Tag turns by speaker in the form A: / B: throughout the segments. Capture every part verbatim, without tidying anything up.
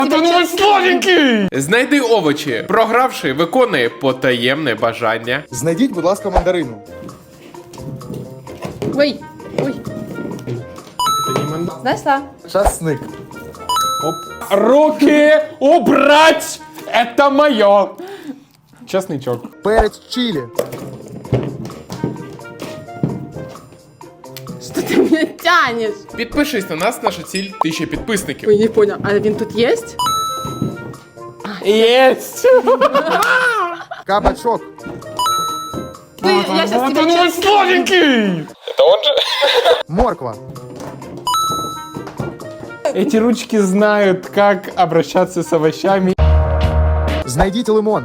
A: Ти славенький!
B: Знайди овочі. Програвши, виконує потаємне бажання.
C: Знайдіть, будь ласка, мандарину.
D: Ой, ой. Знайшла.
C: Часник.
A: Оп. Руки убрать! Это мое! Чесничок.
C: Перець чилі.
D: Що ти мене тянеш?
B: Підпишись на нас, наша ціль тисяча підписників.
D: Ой, не понял. А він тут єсть?
A: Есть!
C: Кабачок.
D: Ти, я щас
A: Вот
D: тебе
A: он мой
D: чесно-
A: славенький!
C: Морква.
A: Эти ручки знают, как обращаться с овощами.
C: Знайдіть лимон.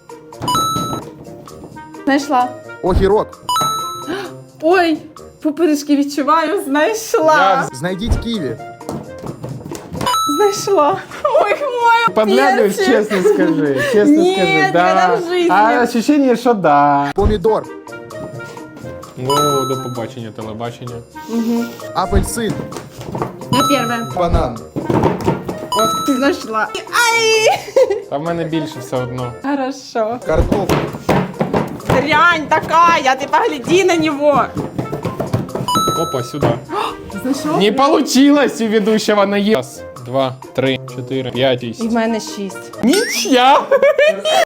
D: Знайшла.
C: Огірок.
D: Ой, пупиришки відчуваю, знайшла.
A: Я
C: Знайдіть ківі.
D: Знайшла. Ой, мой
A: Подглядываешь,
D: перчик.
A: честно скажи. Честно
D: Нет,
A: скажи, да.
D: никогда в жизни.
A: А ощущение, что да.
C: Помідор.
A: О, до побачення, телебачення.
C: Апельсин.
D: Я перша.
C: Банан.
D: От ти знайшла. Ай!
A: Та в мене більше все одно.
D: Хорошо.
C: Картофель.
D: Дрянь такая, ты погляди на него.
A: Опа, сюда.
D: Знайшов?
A: Не получилось у ведущего на Раз, два, три, четыре, пять и
D: І в мене шість.
A: Ничья!